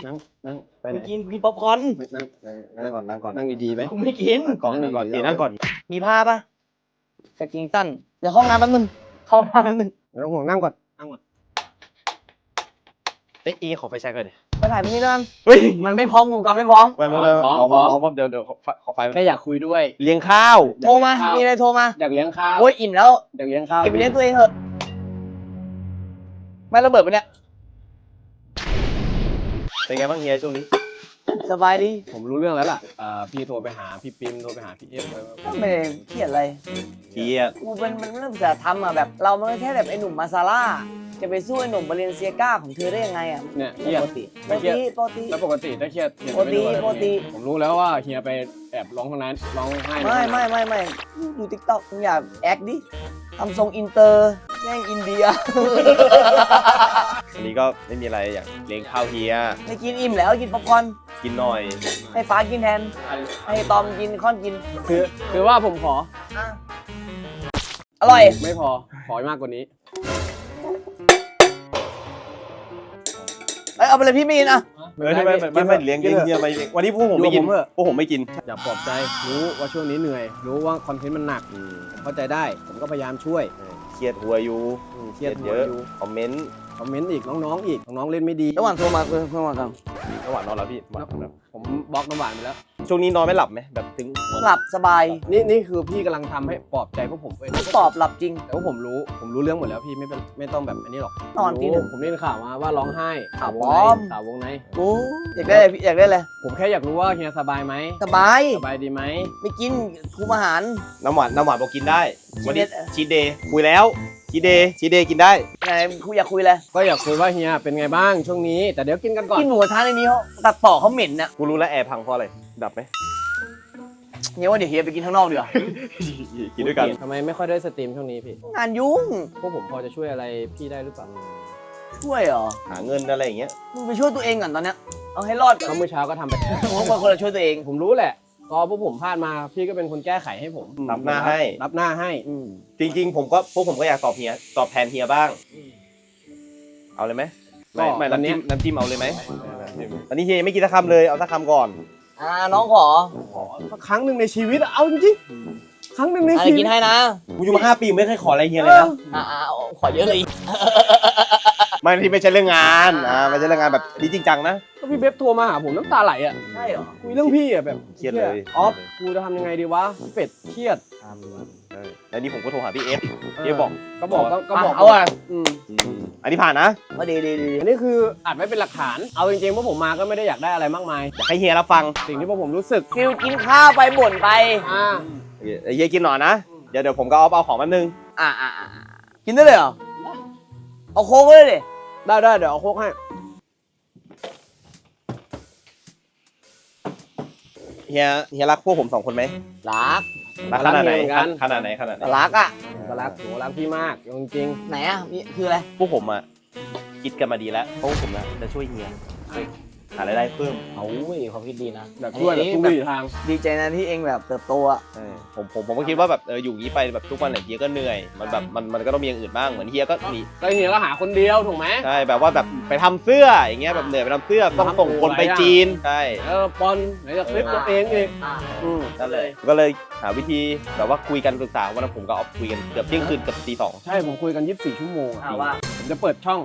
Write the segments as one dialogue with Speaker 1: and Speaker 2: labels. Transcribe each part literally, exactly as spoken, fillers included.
Speaker 1: นั่งนั่งไปไหน
Speaker 2: กินกินป๊อปคอร์น
Speaker 1: นั่งนั่งก่อนนั่งก่อนนั่งดีๆไหม
Speaker 2: กูไม่กิน
Speaker 1: ก่อนนั่งก่อนดีนั่งก่อน
Speaker 2: มีผ้าปะกางเกงสั้นเดี๋ยวห้องน้ำแป๊บนึงเข้าห้องน้ำแป๊บนึง
Speaker 1: ไม่ต้องห่วงนั่งก่อนนั่งก่อนเอ้ยเอขอไฟแช็กก่อนดิ
Speaker 2: ไปถ่ายพี่นั่น
Speaker 1: เฮ้ย
Speaker 2: มันไม่พร้อมกูกับไม่พร้อม
Speaker 1: ไปมาเลยขอขอขอเดี๋ยวเดี๋ยวขอไฟ
Speaker 3: แค่อยากคุยด้วย
Speaker 1: เลี้ยงข้าว
Speaker 2: โทรมามีอะไรโทรมา
Speaker 3: อยากเลี้ยงข้าว
Speaker 2: โอ้ยอิ่มแล้ว
Speaker 3: อยากเลี้ยงข้าว
Speaker 2: เก็บไปเลี้ยงตัวเองเถอะไม่ระเบิดปะเนี่ย
Speaker 1: เป็นไงบ้างเฮียช่วงนี้
Speaker 2: สบายดี
Speaker 3: ผมรู้เรื่องแล้วล่ะอ่าพี่โทรไปหาพี่ปิมโทรไปหาพี่เอฟ
Speaker 2: ไม่ได้เครียดอะไร
Speaker 1: เครียด
Speaker 2: กูเป็นมันเริ่มจะทำอ่ะแบบเรามันแค่แบบไอ้หนุ่มมาซาร่าจะไปสู้ไอ้หนุ่มบาเลนเซียก้าของเธอได้ยังไงอ่ะ
Speaker 3: เนี่ยเครียด
Speaker 2: ปกติปกติปกติ
Speaker 3: แล้วปกติถ้าเครียด
Speaker 2: ปกติปกติ
Speaker 3: ผมรู้แล้วว่าเฮียไปแอบร้องตรงนั้นร้องไห้
Speaker 2: ไม่ไม่ไม่ไม่ดูทิกตอกมึงอย่าแอคดิทำทรงอินเตอร์แม่งอินเดีย
Speaker 1: วันนี้ก็ไม่มีอะไรอยากเลี้ยงข้าวเฮีย
Speaker 2: ไม่กินอิ่มแล้วกินป๊อปคอร์น
Speaker 1: กินหน่อย
Speaker 2: ให้ฟ้ากินแทนให้ตอมกินค่อนกิน
Speaker 3: คือคือว่าผมขอ
Speaker 2: อร่อย
Speaker 3: ไม่พอขอมากกว่านี้
Speaker 2: เอ้ยเอาไปเลยพี่ไม่กินอ่ะ
Speaker 1: เออไม่ไม่ไม่เลี้ยงเลี้ยงเฮียไม่วันนี้พวกผมไม่กินพวกผมไม่กิน
Speaker 3: อยากปลอบใจรู้ว่าช่วงนี้เหนื่อยรู้ว่าคอนเทนต์มันหนักเข้าใจได้ผมก็พยายามช่วย
Speaker 1: เครียดหัวอยู่
Speaker 3: เครียด
Speaker 1: เยอะคอมเมนต์
Speaker 3: คอมเมนต์อีกน้องๆอีกน้องๆเล่นไม่ดี
Speaker 2: ระหว่างโทรมาเพื่อนเพื่อนมากัน
Speaker 1: ระหว่างนอนแล้วพี่
Speaker 3: ผมบล็อกน้ำหวานไปแล้ว
Speaker 1: ช่วงนี้นอนไม่หลับไหมแบบถึง
Speaker 2: หลับสบาย
Speaker 3: นี่นี่คือพี่กำลังทำให้ปลอบใจพวกผม
Speaker 2: ไม่ตอบหลับจริง
Speaker 3: แต่ว่าผมรู้ผมรู้เรื่องหมดแล้วพี่ไม่เป็นไม่ต้องแบบอันนี้หรอก
Speaker 2: นอนทีหนึ่ง
Speaker 3: ผมได้ข่าวมาว่าร้องไห้
Speaker 2: ข่าวปลอม
Speaker 3: ข่าววงใน
Speaker 2: โอ้อยากได้อยากได้เลย
Speaker 3: ผมแค่อยากรู้ว่าเฮียสบายไหม
Speaker 2: สบาย
Speaker 3: สบายดีไหม
Speaker 2: ไม่กินคุมอาหาร
Speaker 1: น้ำหวานน้ำหวานบอกกินได้วันนี้ชีเดย์คุยแล้วชีเดย์ชีเดย์กินได้
Speaker 2: ไหนคุยอยากคุยเลย
Speaker 3: ก็อยากคุยว่าเฮียเป็นไงบ้างช่วงนี้แต่เดี๋ยวกินกันก่อน
Speaker 2: กินหมูกระทะในนี้เขาตัดต่อเขาเหม็นนะ
Speaker 1: กูรู้แล้วแอร์พังเพราะอะไรดับไหม
Speaker 2: เฮียว่าเดี๋ยวเฮียไปกินข้างนอกดีกว่า
Speaker 1: กินด้วยกัน
Speaker 3: ทำไมไม่ค่อยได้สตรีมช่วงนี้พี่
Speaker 2: งานยุ่ง
Speaker 3: พวกผมพอจะช่วยอะไรพี่ได้หรือเปล่า
Speaker 2: ช่วยเหรอ
Speaker 1: หาเงินอะไรอย่างเงี้ย
Speaker 2: มึงไปช่วยตัวเองก่อนตอนเนี้ยเอาให้รอดก่อน
Speaker 3: เมื่อเช้าก็ทำไป
Speaker 2: ผมเป็นคนละช่วยตัวเอง
Speaker 3: ผมรู้แหละพอพวกผมพลาดมาพี่ก็เป็นคนแก้ไขให้ผม
Speaker 1: รับหน้าให้
Speaker 3: รับหน้าให้
Speaker 1: จริงๆผมก็พวกผมก็อยากตอบเฮียตอบแทนเฮียบ้างเอาเลยไหมไม่ไม่น้ำจิ้มน้ำจิ้มเอาเลยไหมตอนนี้เฮียไม่กินสักคำเลยเอาสักคำก่อน
Speaker 2: อ่าน้องขอ
Speaker 3: ครั้งหนึ่งในชีวิตเอาจริงๆครั้งหนึ่งในชีวิต
Speaker 2: กินให้นะ
Speaker 1: กูอยู่มาห้าปีไม่เคยขออะไรเฮียเลยนะ
Speaker 2: อ่าขอเยอะเลย
Speaker 1: ไม่ที่ไม่ใช่เรื่องงานอ่าไม่ใช่เรื่องงานแบบนี้จริงจังนะ
Speaker 3: ก็พี่เบฟโทรมาหาผมน้ำตาไหลอ่ะ
Speaker 2: ใช่เหรอ
Speaker 3: คุยเรื่องพี่อ่ะแบบ
Speaker 1: เครียดเลย
Speaker 3: ออฟกูจะทำยังไงดีวะเป็ดเครียด
Speaker 1: แล้วนี่ผมก็โทรหาพี่เอฟพี่เอฟบอก
Speaker 3: ก็บอกก็บอก
Speaker 2: เอาอ่ะ
Speaker 1: อันนี้ผ่านนะ
Speaker 2: ก็ดีดีดี
Speaker 3: อันนี้คืออัดไว้เป็นหลักฐานเอาจริงๆว่าผมมาก็ไม่ได้อยากได้อะไรมากมาย
Speaker 1: อยากให้เฮียรับฟัง
Speaker 3: สิ่งที่พวกผมรู้สึก
Speaker 2: ฟิลกินข้าวไปบ่นไป
Speaker 3: อ่า
Speaker 1: เฮียกินหน่อยนะเดี๋ยวเดี๋ยวผมก็เอาเอาของแป๊บนึง
Speaker 2: อ่าอ่ากินได้เลยเหรอเอาโค้กเลยดิ
Speaker 3: ได้ได้เดี๋ยวเอาโค้กให้
Speaker 1: เฮียเฮียรักพวกผมสองคนไหม
Speaker 2: รัก
Speaker 1: รักขนาดไหนขนาดไหนขนาดไหน
Speaker 2: รักอ่ะ
Speaker 3: ก็รักโหรักพี่มากจริง
Speaker 2: ไหนอ่ะคืออะไร
Speaker 1: พวกผมอ่ะคิดกันมาดีแล้วเพราะผมนะจะช่วยเฮียหารายได้เพิ่ม
Speaker 2: เอาเว้ยความคิดดีนะ
Speaker 3: แบบช่วยแบบทุกวิถีทาง
Speaker 2: ดีใจนะที่เองแบบเติบโตอ่ะ
Speaker 1: ผมผมผมก็คิดว่าแบบเอออยู่งี้ไปแบบทุกวันเนี่ยเฮียก็เหนื่อยมันแบบมันมันก็ต้องมีอย่างอื่นบ้างเหมือนเฮียก็มี
Speaker 3: ก็เฮียก็หาคนเดียวถูกไหม
Speaker 1: ใช่แบบว่าแบบไปทำเสื้ออย่างเงี้ยแบบเหนื่อยไปทำเสื้อต้องส่งคนไปจีนใช่
Speaker 3: เออปอนไหนจะคลิปตัวเองอีก
Speaker 1: อืมนั่นเลยก็เลยหาวิธีแบบว่าคุยกันปรึกษาวันนั้นผมก็เอาคุยกันเกือบเที่ยงคืนกับตีสอง
Speaker 3: ใช่ผมคุยกันยี่สิบสี่ชั่วโมงผมจะเปิดช่อง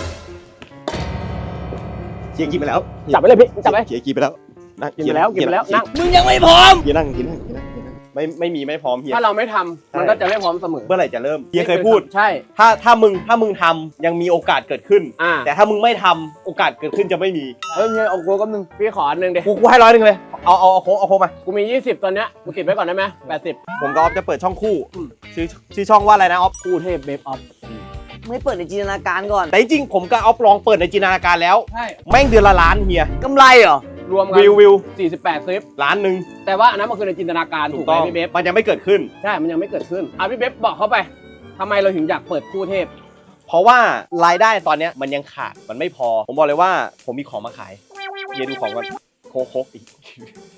Speaker 1: เกียร์กินไปแล้ว
Speaker 3: จับไปเลยพี่จับไป
Speaker 1: เกียร์กินไปแล้ว
Speaker 3: นั่งกินไปแล้วกินไปแล้วนั่ง
Speaker 2: มึงยังไม่พร้อม
Speaker 1: เกียร์นั่งกินนั่งกินนั่งไม่ไม่มีไม่พร้อมเฮีย
Speaker 3: ถ้าเราไม่ทำมันก็จะไม่พร้อมเสมอ
Speaker 1: เมื่อไหร่จะเริ่มเฮียเคยพูด
Speaker 3: ใช่
Speaker 1: ถ้าถ้ามึงถ้ามึงทำยังมีโอกาสเกิดขึ้นแต่ถ้ามึงไม่ทำโอกาสเกิดขึ้นจะไม่มี
Speaker 3: เฮ้ยเฮียเอาโค้กก็นึงพี่ขออันนึงเดี๋ยว
Speaker 1: กูกูให้ร้อยนึงเลยเอาเอาเอาโค้กเอาโค้กมา
Speaker 3: กูมียี่สิบตอนเนี้ยกูติดไว้ก่อนได้ไหมแปดสิบ
Speaker 1: ผมกับออฟจะเปิดช่องคู่ชื่อชื่อช่องว่าอะไรนะออฟ
Speaker 3: คู่เทพเบฟออฟ
Speaker 2: ไม่เปิดในจินตนาการก่อน
Speaker 1: แต่จริงผมกับออฟลองเปิดในจินตนาการแล้ว
Speaker 3: ใช่
Speaker 1: แม่งเดือนละล้านเฮีย
Speaker 2: กำไรเหรอ
Speaker 3: รวมกัน
Speaker 1: วิววิว
Speaker 3: สี่สิบแปดคลิป
Speaker 1: ล้านหนึ่ง
Speaker 3: แต่ว่าอันนั้นมันคือในจินตนาการถูกไหมพี่เบฟ
Speaker 1: มันยังไม่เกิดขึ้น
Speaker 3: ใช่มันยังไม่เกิดขึ้นอ่ะพี่เบฟบอกเขาไปทำไมเราถึงอยากเปิดคู่เทพ
Speaker 1: เพราะว่ารายได้ตอนเนี้ยมันยังขาดมันไม่พอผมบอกเลยว่าผมมีของมาขายเฮียดูของก่อนโคโคอีก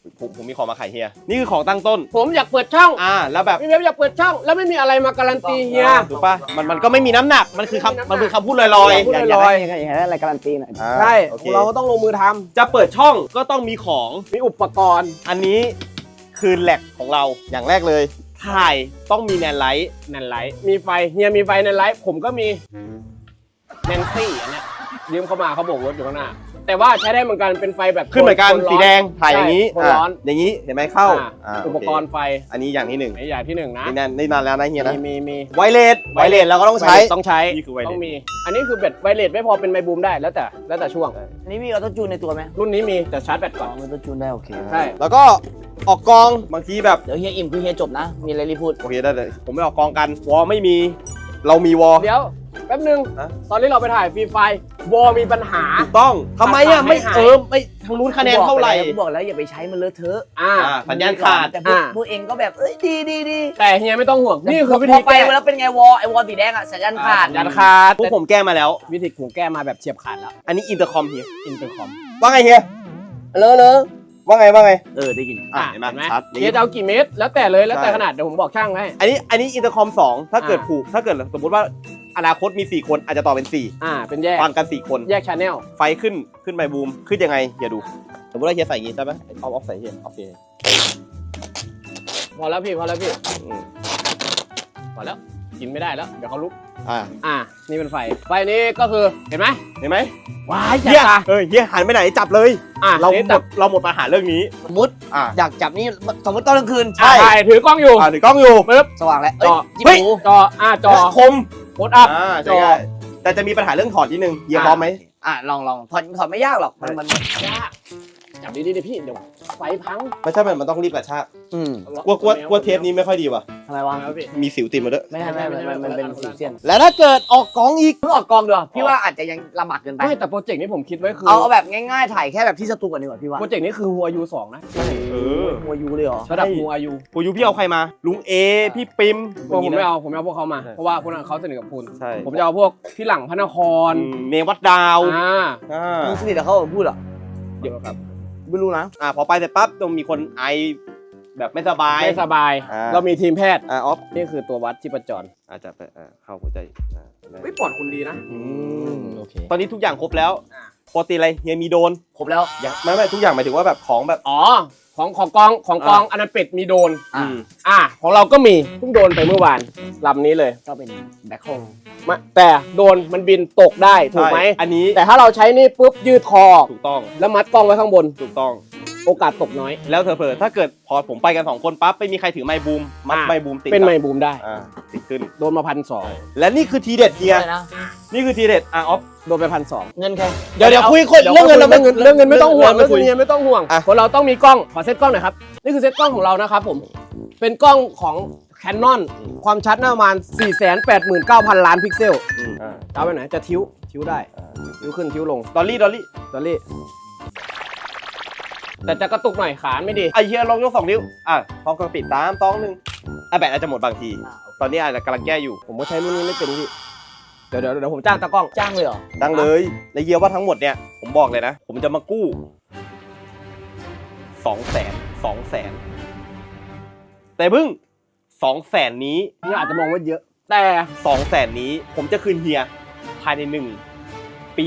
Speaker 1: ผมผมมีของมาขายเฮียนี่คือของตั้งต้น
Speaker 3: ผมอยากเปิดช่อง
Speaker 1: อ่าแล้วแบบ
Speaker 3: พี่เว็บอยากเปิดช่อง แล้วไม่มีอะไรมาการันตีเฮีย
Speaker 1: ถูกป่ะมันมันก็ไม่มีน้ำหนักมันคือคำมันคือคำพูดลอย
Speaker 3: พูด
Speaker 1: ๆ
Speaker 3: ล
Speaker 2: อยาก
Speaker 3: อยๆ
Speaker 2: ได้อยากได้อะไรการันตีหน่อย
Speaker 1: อ่า
Speaker 3: ใช่
Speaker 1: โอเค
Speaker 3: เราก็ต้องลงมือทำ
Speaker 1: จะเปิดช่องก็ต้องมีของ
Speaker 3: มีอุปกรณ์
Speaker 1: อันนี้คือแหลกของเราอย่างแรกเลยถ่ายต้องมีแนนไลท์
Speaker 3: แนนไลท์มีไฟเฮียมีไฟแนนไลท์ผมก็มีแนนซี่อันเนี้ยยืมเข้ามาเขาบอกรถอยู่ข้างหน้า แต่ว่าใช้ได้เหมือนกันเป็นไฟแบบ
Speaker 1: ขึ้นเหมือนกัน
Speaker 3: โทร้
Speaker 1: สีแดงถ่ายอย่างนี้
Speaker 3: นี้คนร้อน
Speaker 1: อ่ะอย่างนี้เห็นไหมเข้า
Speaker 3: อ่า
Speaker 1: อ่า
Speaker 3: อุปกรณ์ไฟ
Speaker 1: อันนี้อย่างที่หนึ่ง
Speaker 3: ในอย่างที่หนึ่งนะ
Speaker 1: นี่นานนี่นานแล้วนะเฮียนะ
Speaker 3: มีมีมี
Speaker 1: ไวเลสไวเลสเราก็ต้องใช้
Speaker 3: ต้องใช้
Speaker 1: นี่คือไวเลส
Speaker 3: ต้องมี อันนี้คือแบตไวเลสไม่พอเป็นไมบูมได้แล้วแต่แล้วแต่ช่วง
Speaker 2: อันนี้มีออโต้จูนในตัวไหม
Speaker 3: รุ่นนี้มีแต่ชาร์จแบต
Speaker 2: อ๋
Speaker 3: ก่
Speaker 2: อ
Speaker 3: อน
Speaker 2: มีออโต้จูนได้โอเค
Speaker 3: ใช่
Speaker 1: แล้วก็ออกกองบางทีแบบ
Speaker 2: เดี๋ยวเฮียอิ่มคือเฮียจบนะ มีอะไรรีบพูด
Speaker 1: โอเคได้เลยผมไม่ออกกองกันวอลไม่มีเรามีวอล
Speaker 3: เดี๋ยวแป๊บนึง
Speaker 1: ฮะ
Speaker 3: ตอนนี้เราไปถ่ายฟรีไฟวอลมีปัญหา
Speaker 1: ถูกต้องทำไมอ่ะไม่
Speaker 3: หาย
Speaker 1: เออไม่ทางนู้นคะแนนเท่าไหร่
Speaker 2: ผมบอกแล้วอย่าไปใช้มันเลอะเทอะ
Speaker 3: อ่า
Speaker 1: อ่าสัญญาณขาด
Speaker 2: แต่พวก
Speaker 3: อ่า
Speaker 2: พวกเองก็แบบเอ้ยดีดีดี
Speaker 3: แต่เฮียไม่ต้องห่วง นี่คือวิ
Speaker 2: พ
Speaker 3: ธี
Speaker 2: อไป
Speaker 3: แก้
Speaker 2: แล้วเป็นไงวอลไอวอลสีแดงอะสัญญาณขาด
Speaker 3: สัญญาณขาด
Speaker 1: พวกผมแก้มาแล้ว
Speaker 3: วิธีผมแก้มาแบบเฉียบขาดแล้ว
Speaker 1: อันนี้อินเตอร์คอมเฮีย
Speaker 3: อินเตอร์คอม
Speaker 1: ว่าไงเฮีย
Speaker 2: เลอะเลอะ
Speaker 1: ว่าไงว่าไง
Speaker 2: เออได้ยิน
Speaker 1: อ่ะเห็นไหมชัด
Speaker 3: เฮียจะเอากี่เมตร แล้วแต่เลยแล้วแต่
Speaker 1: ใช่
Speaker 3: ขนาดเดี๋ยวผมบอกช่างให้
Speaker 1: อันนี้อันนี้อินเตอร์คอมสองถ้าเกิด
Speaker 3: อ่า
Speaker 1: ผูกถ้าเกิดสมมติว่าอนาคตมีสี่คนอาจจะต่อเป็นสี่
Speaker 3: อ่า เป็นแยก
Speaker 1: ฟังกันสี่คน
Speaker 3: แยกชาแนล
Speaker 1: ไฟขึ้นขึ้นไมบูมขึ้นยังไงเฮียดู สมมติว่าเฮียใส่อย่างงี้ใช่ไหมเอาออฟใส่เฮียโอเค
Speaker 3: พอแล้วพี่พอแล้วพี่
Speaker 1: อืม
Speaker 3: พอแล้วกินไม่ได้แล้วเดี๋ยวเขาลุก
Speaker 1: อ่า
Speaker 3: อ่า นี่เป็นไฟ ไฟนี้ก็คือเห็นไหม
Speaker 1: เห็นไหม
Speaker 3: ว้ายจั
Speaker 1: เฮีย
Speaker 3: ตา
Speaker 1: เออเฮียหันไปไหนจับเลย
Speaker 3: อ่า
Speaker 1: เรา
Speaker 3: นี่
Speaker 1: หม
Speaker 3: จั
Speaker 1: ดเราหมดปัญหาเรื่องนี้
Speaker 2: สมมติ
Speaker 1: อ่า
Speaker 2: อยากจับนี่สมมติตอนกลางคืน
Speaker 1: ใช่
Speaker 3: อ่าถ่ายถือกล้องอยู่
Speaker 1: อ่าถือกล้องอยู่
Speaker 3: ปึ๊บ
Speaker 2: สว่างแล้ว
Speaker 3: จ
Speaker 2: เอ้ย
Speaker 3: อ
Speaker 2: จิ้ม
Speaker 3: เฮ้ย
Speaker 2: หู
Speaker 3: จออ่าจอ
Speaker 1: คม
Speaker 3: โคตรอัพ
Speaker 1: อ่า
Speaker 3: จ
Speaker 1: ใช่
Speaker 3: อ
Speaker 1: ได้แต่จะมีปัญหาเรื่องถอดนิดนึงเฮียพร้อมไหม
Speaker 2: อ่ะลองลองถอดถอดไม่ยากหรอกมันมัน
Speaker 3: ยากจับดีๆดิพี่เดี๋ยวไฟพัง
Speaker 1: ไม่ใช่มันมันต้องรีบกระชาก
Speaker 2: อืม
Speaker 1: กลัวกลัวกลัวเทปนี้ไม่ค่อยดีว่ะ
Speaker 2: ทำไมวะ
Speaker 3: แล้วพี่
Speaker 1: มีสิวติดมาด้วย
Speaker 2: ไม่ใช่ไม่ไม่มันมันเป็นสีเส้น
Speaker 1: แล้วถ้าเกิดออกกองอีก
Speaker 2: เพิ่งออกกองดีกว่าพี่ว่าอาจจะยังลำบากเกินไป
Speaker 3: ไม่แต่โปรเจกต์นี้ผมคิดไว้คือ
Speaker 2: เอาเอาแบบง่ายๆถ่ายแค่แบบที่สตูก่อนดีกว่าพี่ว่า
Speaker 3: โปรเจกต์นี้คือหัวยูสองนะ
Speaker 1: เออ
Speaker 2: หัวยูเลยเหรอ
Speaker 3: ระดับหัวยู
Speaker 1: กูยูพี่เอาใครมา ลุงเอ พี่ปิม
Speaker 3: ผมไม่
Speaker 1: นะ
Speaker 3: เอาผมไม่เอาพวกเขามา
Speaker 1: ใช่
Speaker 3: เพราะว่าพวกนั้นเขาสนิทกับคุณ
Speaker 1: ใช่
Speaker 3: ผมจะเอาพวกพี่หลังพระนคร
Speaker 1: อืมเมวัดดาว
Speaker 3: อ่า
Speaker 1: อ่า
Speaker 2: มึงสนิทกับเขาเหรอพูดเหรอ
Speaker 3: เดี๋ยวครับ
Speaker 2: ไม่รู้นะ
Speaker 1: อ่าพอไปเสร็จปั๊บต้องมีคนไอแบบไม่สบาย
Speaker 3: ไม่สบาย
Speaker 1: อ่า
Speaker 3: เรามีทีมแพทย์
Speaker 1: อ่าออฟ
Speaker 3: นี่คือตัววัดชีพจร
Speaker 1: อาจจะไปอ่าเข้าหัวใจอ่าได้
Speaker 3: ไม่ปลอดคุณดีนะ
Speaker 1: อืม
Speaker 2: โอเค
Speaker 1: ตอนนี้ทุกอย่างครบแล้ว
Speaker 3: อ่า
Speaker 1: ปกติอะไรเฮียมีโดน
Speaker 2: ครบแล้ว
Speaker 1: อย่างไม่ไม่ทุกอย่างหมายถึงว่าแบบของแบบ
Speaker 3: อ๋อของของกองของกองอนาเป็ดมีโดน
Speaker 2: อ่า
Speaker 1: อืม
Speaker 3: อ่าของเราก็มีเพิ่งโดนไปเมื่อวานลำนี้เลย
Speaker 2: ก็เป็นแบ็คโฮล
Speaker 3: มาแต่โดนมันบินตกได้ถูกไหม
Speaker 1: ใช่อันนี้
Speaker 3: แต่ถ้าเราใช้นี่ปุ๊บยืดคอออก
Speaker 1: ถูกต้อง
Speaker 3: แล้วมัดกล้องไว้ข้างบน
Speaker 1: ถูกต้อง
Speaker 3: โอกาสตกน้อย
Speaker 1: แล้วเธอเผลอๆถ้าเกิดพอผมไปกันสองคนปั๊บไม่มีใครถือไม้บูมมัด
Speaker 3: อ่า
Speaker 1: ไม้บูมติด
Speaker 3: เป็นไม
Speaker 1: กับ
Speaker 3: บูมได้
Speaker 1: อ่าติดขึ้น
Speaker 3: โดนมาพันสอง
Speaker 1: และนี่คือทีเด็ดเฮีย
Speaker 2: อะไรนะ
Speaker 1: นี่คือทีเด็ดอ่ะออฟ
Speaker 3: โดนไปพันสอง
Speaker 2: เงินแค่
Speaker 1: เดี๋ยวเดี๋ยวคุยคุยเรื่องเงินเราไม่
Speaker 3: เรื่องเรื่องเงินไม่ต้องห่วง
Speaker 1: เรื่
Speaker 3: เรื่
Speaker 1: อ
Speaker 3: อง ง
Speaker 1: เงิน
Speaker 3: เงินไม่ต้องห่วง
Speaker 1: อ่ะ
Speaker 3: เพราะเราต้องมีกล้องขอเซตกล้องหน่อยครับนี่คือเซตกล้องของเรานะครับผมเป็นกล้องของ Canon ความชัดน่าประมาณ สี่แสนแปดหมื่นเก้าพัน ล้านพิกเซล
Speaker 1: อืมอ่า
Speaker 3: เอาไปไหนจะทิ้วทิ้วได้
Speaker 1: อ่า
Speaker 3: ทิ้วขึ้นทิ้วลง
Speaker 1: ดอลลี่ดอลลี่
Speaker 3: ดอลลี่แต่จะกระตุกหน่อยขาไม่ดี
Speaker 1: ไอเฮียลองยกสองนิ้วอ่ะพร้อมกับปิดตามสองหนึ่งอ่ะแบตอาจจะหมดบางที ตอนนี้อาจจะกำลังแก้อยู่
Speaker 3: ผมก็ใช้รุ่นนี้ไม่เป็นพี่เดี๋ยวเดี๋ยวเดี๋ยวผมจ้างตากล้อง
Speaker 2: จ้างเลยเหรอ
Speaker 1: ดังเลยและเฮียว่าทั้งหมดเนี่ยผมบอกเลยนะ ผมจะมากู้สองแสนสองแสนแต่พึ่งสองแสนนี้
Speaker 3: นี่อาจจะมองว่าเยอะ แต่
Speaker 1: สองแสนนี้ผมจะคืนเฮียภายในหนึ่งปี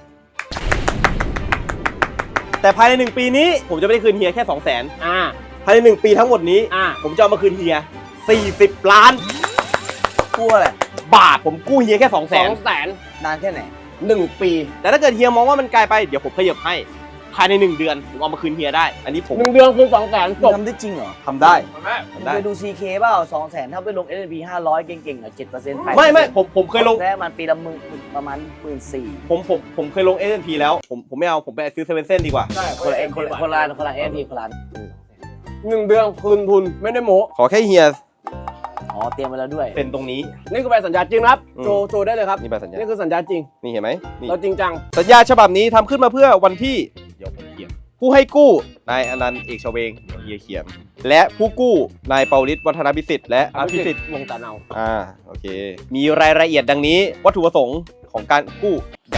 Speaker 1: แต่ภายในหนึ่งปีนี้ผมจะไม่ได้คืนเฮียแค่สองแสน
Speaker 3: อ่า
Speaker 1: ภายในหนึ่งปีทั้งหมดนี้
Speaker 3: อ่า
Speaker 1: ผมจะเอามาคืนเฮียสี่สิบล้าน
Speaker 2: กลัวอะไร
Speaker 1: บาทผมกู้เฮียแค่สองแส
Speaker 3: สอน งแสน
Speaker 2: นานแค่ไหน
Speaker 3: หนึ่งปี
Speaker 1: แต่ถ้าเกิดเฮียมองว่ามันไกลไปเดี๋ยวผมขยับให้ภายในหนึ่งเดือนผมเอามาคืนเฮียได้ อันนี้ผม
Speaker 3: หนึ่งเดือนคือสองแสนจบ
Speaker 2: ทำได้จริงเหรอ
Speaker 1: ทำได้
Speaker 2: มึง
Speaker 1: ทำได้
Speaker 2: ไปดู ซี เค เปล่าสองแสนถ้าไปลง เอส แอนด์ พี ห้าร้อยเก่งๆหน่อยเจ็ดเปอร์เซ็นต์
Speaker 1: ไม่ไม่ผมผมเคยลง
Speaker 2: ได้มันปีละหมื่นประมาณหมื่นสี่
Speaker 1: ผมผมผมเคยลง เอส แอนด์ พี แล้วผมผมไม่เอาผมไปซื้อเซเว่นเส้นดีกว่า
Speaker 3: ใช่
Speaker 2: คนละเอ็นคนละคนละคนละเอส แอนด์ พี คนละ
Speaker 3: หนึ่งเดือนคืนทุนไม่ได้โม้
Speaker 1: ขอแค่เฮีย
Speaker 2: อ๋อเตรียมไว้แล้วด้วย
Speaker 1: เป็นตรงนี้
Speaker 3: นี่คือใบสัญญาจริงนะครับ
Speaker 1: อืม
Speaker 3: โชว์โชว์ได้เลยครับ
Speaker 1: นี่ใบสัญญา
Speaker 3: นี่คือสัญญาจริง
Speaker 1: นี่เห็นไหมนี่
Speaker 3: เราจริงจัง
Speaker 1: สัญญาฉบับนี้ทำขึ้นมาเพื่อวันที่เดี๋ยวผมเขียนผู้ให้กู้นายอนันต์เอกชเวงเดี๋ยวเฮียเขียนและผู้กู้นายเปาลิศวัฒนพิสิทธิ์และอภิสิทธิ์
Speaker 3: วงตาเนา
Speaker 1: อ่าโอเค มีรายละเอียดดังนี้วัตถุประสงค์ของการกู้อย่าง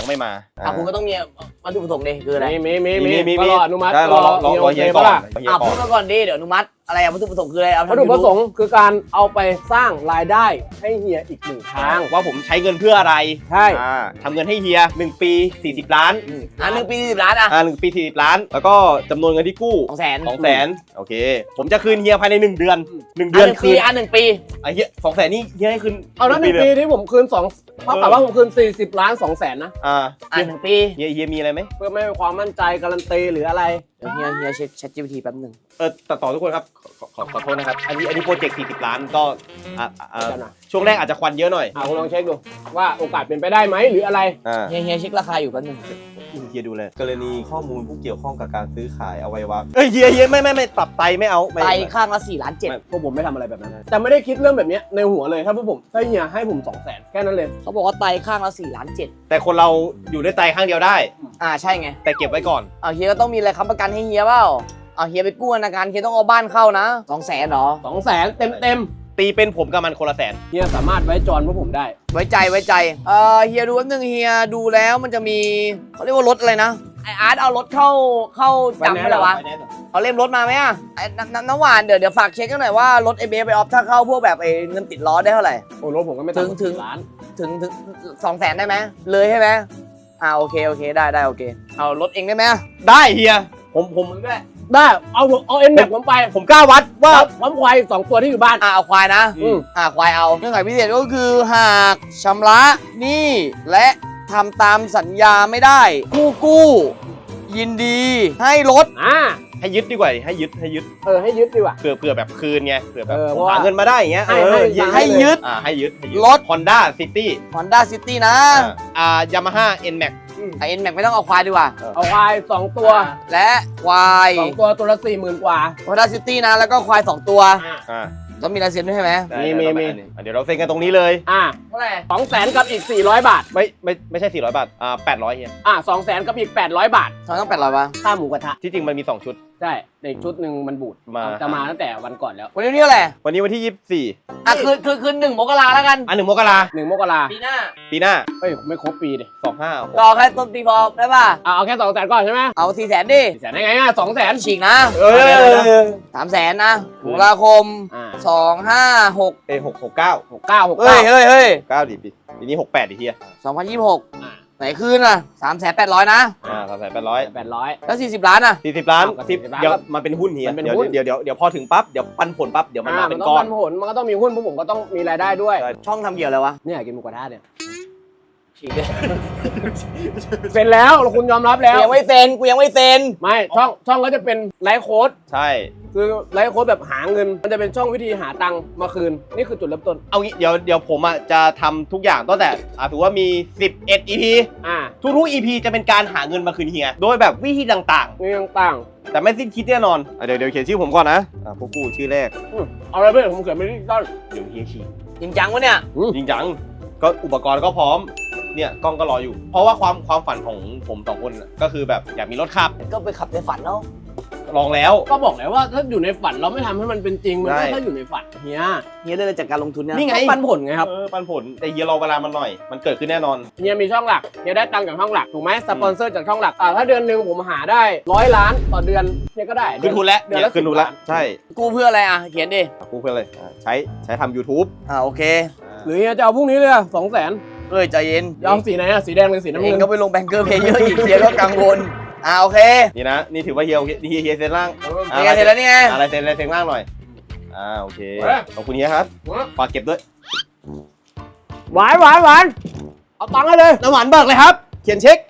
Speaker 1: ยังไม่มา
Speaker 2: อ่ะคุณก็ต้องมีวัตถุประสงค์ดิคืออะไร
Speaker 3: มีมีมี
Speaker 1: มีมี
Speaker 3: ก็
Speaker 1: มี
Speaker 3: รออนุมัติ
Speaker 1: ได้รอรอรอรอเฮียก่อน
Speaker 3: ปะล่ะ
Speaker 1: เฮีย
Speaker 2: อ่ะ
Speaker 1: ก่อ
Speaker 2: พู
Speaker 1: น
Speaker 2: ดมาก่อนดิเดี๋ยวอนุมัติอะไรอ่ะวัตถุประสงค์คืออะไรเอา
Speaker 3: วัตถุประสงค์คือการเอาไปสร้างรายได้ให้เฮียอีกหนึ่งทาง
Speaker 1: ว่าผมใช้เงินเพื่ออะไร
Speaker 3: ใช่
Speaker 1: อ่าทำเงินให้เฮียหนึ่งปีสี่สิบล้าน
Speaker 2: อ่ะหนึ่งปีสิบล้านอ่ะ
Speaker 1: อ่าหนึ่งปีสี่สิบล้าน แล้วก็จำนวนเงินที่กู้
Speaker 2: สองแสน
Speaker 1: สองแสนโอเค ผมจะคืนเฮียภายในหนึ่งเดือนหนึ่ง
Speaker 2: เดื
Speaker 1: เดื
Speaker 2: อ
Speaker 1: อน น
Speaker 2: ปี
Speaker 1: คืน
Speaker 2: อ่ะหนึ่งปี
Speaker 1: ไอ้เฮียสองแสนนี่เฮียให้คืน
Speaker 3: เอาแล้วหนึ่งปีที่ผมคืนสองเท่ากับว่าผมคืนสี่สิบล้านสองแสนนะ
Speaker 1: อ่า
Speaker 2: อ่ะหนึ่งปี
Speaker 1: เฮียเฮียมีอะไรไหม
Speaker 3: เพื่อไม่ให้ความมั่นใจการันตีหรืออะไร
Speaker 2: เดี๋ยวเฮียเฮียเช็ค ChatGPT แป๊บหนึง
Speaker 1: เออตัดต่อทุกคนครับขอขอขอโทษนะครับ อันนี้อันนี้โปรเจกต์สี่สิบล้านก็อ่าอ่า
Speaker 3: เดี๋ยวนะ
Speaker 1: ช่วงแรกอาจจะควันเยอะหน่อย
Speaker 3: อ่ะคุณลองเช็คดูว่าโอกาสเป็นไปได้ไหมหรืออะไร
Speaker 1: อ่า
Speaker 2: เฮียเฮียเช็คราคาอยู่แป๊บหนึง
Speaker 1: เฮียดูเลยกรณีข้อมูลผู้เกี่ยวข้องกับการซื้อขายอวัยวะเอ้ยเฮียเฮียไม่ไม่ไม่ตับไตไม่เอาไม่
Speaker 2: ไตข้างละสี่ล้านเจ็ด
Speaker 3: พวกผมไม่ทำอะไรแบบนั้นนะแต่ไม่ได้คิดเรื่องแบบเนี้ยในหัวเลยถ้าพวกผมถ้าเฮียให้ผมสองแสนแค่นั้นเลย
Speaker 2: เขาบอกว่าไตข้างละสี่ล้านเจ็ด
Speaker 1: แต่คนเราอยู่ด้วยไตข้างเดียวได้
Speaker 2: อ่าใช่ไง
Speaker 1: แต่เก็บไว้ก่อน
Speaker 2: เอาเฮียก็ต้องมีอะไรค้ำประกันให้เฮียเปล่าเอาเฮียไปกู้ธนาคารเฮียต้องเอาบ้านเข้านะสองแสนเหรอ
Speaker 3: สองแสนเต็มเต็ม
Speaker 1: ตีเป็นผมกับมันคนละแสน
Speaker 3: ๆเฮียสามารถไว้จอนพวกผมได้
Speaker 2: ไว้ใจไว้ใจเออเฮียดูแป๊บนึงเฮียดูแล้วมันจะมีเขาเรียกว่ารถอะไรนะไออาร์ตเอารถเข้าเข้าจำไม่ได้วะเอาเล่มรถมาไหมอ่ะไอ้น้ำน้ำน้ำหวานเดี๋ยวเดี๋ยวฝากเช็คกันหน่อยว่ารถไอเบฟไปออฟถ้าเข้าพวกแบบไอเงินติดล้อได้เท่าไหร่
Speaker 3: โอ้รถผมก็ไม่
Speaker 2: ถึ
Speaker 3: ต่ำ
Speaker 2: ง
Speaker 3: กว่า
Speaker 2: ถึง
Speaker 3: สิบล้าน
Speaker 2: ถึงถึงสองแสนได้ไหมเลยใช่ไหมอ่าโอเคโอเคได้ได้โอเคเอารถเองได้ไหม
Speaker 1: ได้เฮียผมผม
Speaker 2: ด้วย
Speaker 3: ได้เอาเอาเอ็นแม็กผมไป
Speaker 1: ผมกล้าวัดว่า
Speaker 3: พร้อมควายสองตัวที่อยู่บ้าน
Speaker 2: อ่าเอาควายนะ
Speaker 3: อืม
Speaker 2: อ่าควายเอาเงื่อนไขพิเศษก็คือหากชำระหนี้และทำตามสัญญาไม่ได้ผู้กู้ ยินดีให้รถ
Speaker 3: อ่า
Speaker 1: ให้ยึดดีกว่าให้ยึดให้ยึด
Speaker 3: เออให้ยึดดีกว่า
Speaker 1: เผื่อเผื่อแบบคืนไงเผื่อแบบ
Speaker 3: เออ
Speaker 1: ผม
Speaker 3: เพราะว่า
Speaker 1: หาเงินมาได้อย่างเงี้ย
Speaker 3: ให้
Speaker 1: เออ
Speaker 3: ให้
Speaker 2: ให้ยึด
Speaker 1: อ่าให้ยึดให้ยึด
Speaker 2: รถ
Speaker 1: Honda City
Speaker 2: Honda City นะ
Speaker 1: อ่า Yamaha N-Max
Speaker 2: ไอเอ็นแม็กไม่ต้องเอาควายดีกว่า
Speaker 3: เอาควายสองตัว
Speaker 2: และควาย
Speaker 3: สองตัวตัวละสี่หมื่นกว่า
Speaker 2: Honda City นะ แล้วก็ควาย สอง ตัว
Speaker 1: อ่า
Speaker 2: ต้องมีลายเซ็นด้วยใช่ไหม
Speaker 1: ได้
Speaker 3: มี
Speaker 1: ได้
Speaker 3: มี
Speaker 1: ได้
Speaker 3: มี
Speaker 1: อ่ะเดี๋ยวเราเซ็นกันตรงนี้เลย
Speaker 3: อ่า
Speaker 2: เท่าไหร่
Speaker 3: สองแสนกับอีกสี่ร้อยบาท
Speaker 1: ไม่ไม่ไม่ใช่สี่ร้อยบาทอ่าแปดร้อยเฮีย
Speaker 3: อ่าสองแสนกับอีกแปดร้อยบาท
Speaker 2: ทำไมต้องแปดร้อยวะ
Speaker 3: ค่าหมูกระทะ
Speaker 1: ที่จริงมันมีสองชุด
Speaker 3: ใช่แต่อีกชุดหนึ่งมันบูด
Speaker 1: มา
Speaker 3: จะมาตั้งแต่วันก่อนแล้ว
Speaker 2: วันนี้วันที่เท่าไหร่
Speaker 1: วันนี้วันที่ยี่สิบสี่
Speaker 2: อ่ะคือคือคือหนึ่งมกราแล้วกัน
Speaker 1: อันหนึ่งมกรา
Speaker 3: หนึ่งมกรา
Speaker 2: ปีหน้า
Speaker 1: ปีหน้า
Speaker 3: เอ้ยไม่ครบปีดิ
Speaker 1: สองห้า
Speaker 2: ก็แค่ต้นปีพอได้ป่ะ
Speaker 3: อ่าเอาแค่สองแสนก่อนใช่ไหม
Speaker 2: เอาสี่แสนดิ
Speaker 3: สี่แสนได้ไงอ่ะสองแสน
Speaker 2: ฉีกนะ
Speaker 1: เออ
Speaker 2: สามแสนนะมกราคม
Speaker 3: อ่า
Speaker 2: สองห้าหก
Speaker 1: เอ้หกหกเก้า
Speaker 3: หกเก้าหก
Speaker 2: เฮ้
Speaker 3: เก้าย
Speaker 2: เฮ้ยเฮ้ย
Speaker 1: เก้าดิปีปีนี้หกแปดดิเฮีย
Speaker 2: สองพันยี่สิบหกไหนคืนอ่ะสามแสนแปดร้อยนะ
Speaker 1: อ่าสามแสนแปดร้อย
Speaker 3: แปดร้อย
Speaker 2: แล้วสี่สิบล้านอ่ะ
Speaker 1: สี่สิบล้าน
Speaker 3: เอาก็
Speaker 1: สิบ
Speaker 3: 40ล้าน
Speaker 1: เดี๋ยวมันเป็นหุ้นเฮีย
Speaker 3: มันเป็น
Speaker 1: เดี๋ยว
Speaker 3: หุ้น
Speaker 1: เดี๋ยวเดี๋ยวเดี๋ยวพอถึงปั๊บเดี๋ยวปันผลปั๊บเดี๋ยวมัน
Speaker 3: อ่า
Speaker 1: มา
Speaker 3: มั
Speaker 1: เป็น น
Speaker 3: ต้อง
Speaker 1: ก้อ
Speaker 3: ปั
Speaker 1: น
Speaker 3: นผลมันก็ต้องมีหุ้นพวกผมก็ต้องมีรายได้ด้วย
Speaker 1: ใช่
Speaker 2: ช่องทำเกี่ยวอะไรวะ
Speaker 3: เนี่ยกินหมูกระทะเนี่ย
Speaker 2: ฉีกเลย
Speaker 3: เซ็นแล้วคุณยอมรับแล้
Speaker 2: กู
Speaker 3: ว
Speaker 2: ยังไม่เซ็นกูยังไม่เซ็น
Speaker 3: ไม่ช่องช่องก็จะเป็นไลฟ์โค้ด
Speaker 1: ใช่
Speaker 3: คือไลฟ์โค้ดแบบหาเงิน มันจะเป็นช่องวิธีหาตังค์มาคืน นี่คือจุดเริ่มต้น
Speaker 1: เอางี้เดี๋ยวเดี๋ยวผมอ่ะจะทำทุกอย่างตั้งแต่อ่าถือว่ามีสิบเอ็ด อี พี
Speaker 3: อ่า
Speaker 1: ทุกๆ อี พี จะเป็นการหาเงินมาคืนเฮีย โดยแบบวิธีต่าง
Speaker 3: นี่ต่าง
Speaker 1: ๆ แต่ไม่สิ้นคิดแน่นอนอ่ะเดี๋ยวเดี๋ยวเขียนชื่อผมก่อนนะอ่ะพวกกูชื่อแรก
Speaker 3: ๆอืมเอาอะไรเพื่อนผมเขียนไม่ได้ต้น
Speaker 1: เดี๋ยวเฮียชี้
Speaker 2: จริงจังวะเนี่ย
Speaker 1: จริงจังก็อุปกรณ์ก็พร้อมเนี่ยกล้องก็รออยู่ เพราะว่าความความฝันของผมสองคนน่ะก็คือแบบอยากมีรถขับ
Speaker 2: ก็ไปขับในฝันเนาะ
Speaker 1: ลองแล้ว
Speaker 3: ก็บอกแล้วว่าถ้าอยู่ในฝันเราไม่ทำให้มันเป็นจริง มัน
Speaker 1: ใช่
Speaker 3: ก็ถ้าอยู่ในฝันเฮีย
Speaker 2: เฮียเรื่องจากการลงทุนเนี่ย
Speaker 1: นี่ไง
Speaker 3: ก็ปันผลไงครับ
Speaker 1: เออปันผลแต่เฮียรอเวลามันหน่อย มันเกิดขึ้นแน่นอน
Speaker 3: เฮียมีช่องหลักเฮียได้ตังค์จากช่องหลักถูกไหมสปอนเซอร์จากช่องหลัก อ่าถ้าเดือนหนึ่งผมหาได้ร้อยล้านต่อเดือนเฮียก็ได้
Speaker 1: ขึ้นทุนแล้ว
Speaker 3: เดือน
Speaker 1: เนี่ย
Speaker 3: ละ
Speaker 1: ขึ้นทุนแล้ว
Speaker 3: สิบล้า
Speaker 1: ใช่
Speaker 2: กูเพื่ออะไรอ่ะ เขียนดิ
Speaker 1: กูเพื่ออะไรอ่ะใช้ใช้ทำ YouTube
Speaker 2: อ่าโอเค
Speaker 3: หรือเฮียจะเอาพรุ่งนี้เลยสองแสน
Speaker 2: เอ้ยใจเย็น
Speaker 3: ยอมสีไหนอะสีแดงหรือสีน้ำ
Speaker 2: เอ
Speaker 3: เงิ
Speaker 2: ง
Speaker 3: น
Speaker 2: ก็ไปลงแบงเกอร์เพย์เยอะอีกเฮียก็กังวลอ่าโอเค
Speaker 1: นี่นะ นี่ถือว่าเฮียเฮียเฮียเซ็นล่าง
Speaker 2: นี่ไงเสร็จแล้วนี่ไง
Speaker 1: อะไรเซ็นอะไรเซ็นล่างหน่อยอ่าโอเคขอบคุณเฮียครับฝากเก็บด้วย
Speaker 3: หวานหวานหวานเอาตังค์ให้เลย
Speaker 1: น้ำหวานเบิกเลยครับ เขียนเช็ค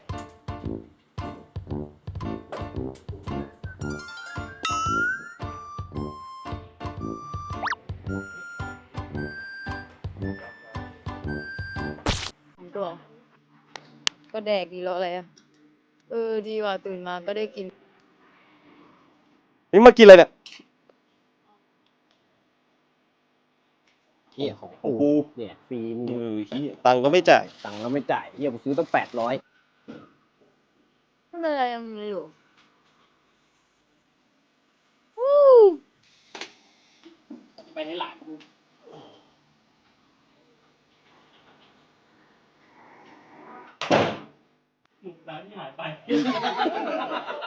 Speaker 4: ตัว ก็แดกดีแล้วอะไรอ่ะ เออ ดีว่ะตื่นมาก็ได้กิน
Speaker 1: นี่มากินอะไรเนี่ย
Speaker 3: เฮียของ
Speaker 1: โอ้โห
Speaker 3: เนี่ยฟรี
Speaker 1: เออเหี้ยตังค์ก็ไม่จ่าย
Speaker 3: ตังค์เราไม่จ่ายเฮียผมซื้อตั้งแปดร้อย
Speaker 4: ไม่เป็นไรยังไม่รู้วู้
Speaker 3: ไปให้หลาน
Speaker 4: อ
Speaker 5: ร้านที่หายไป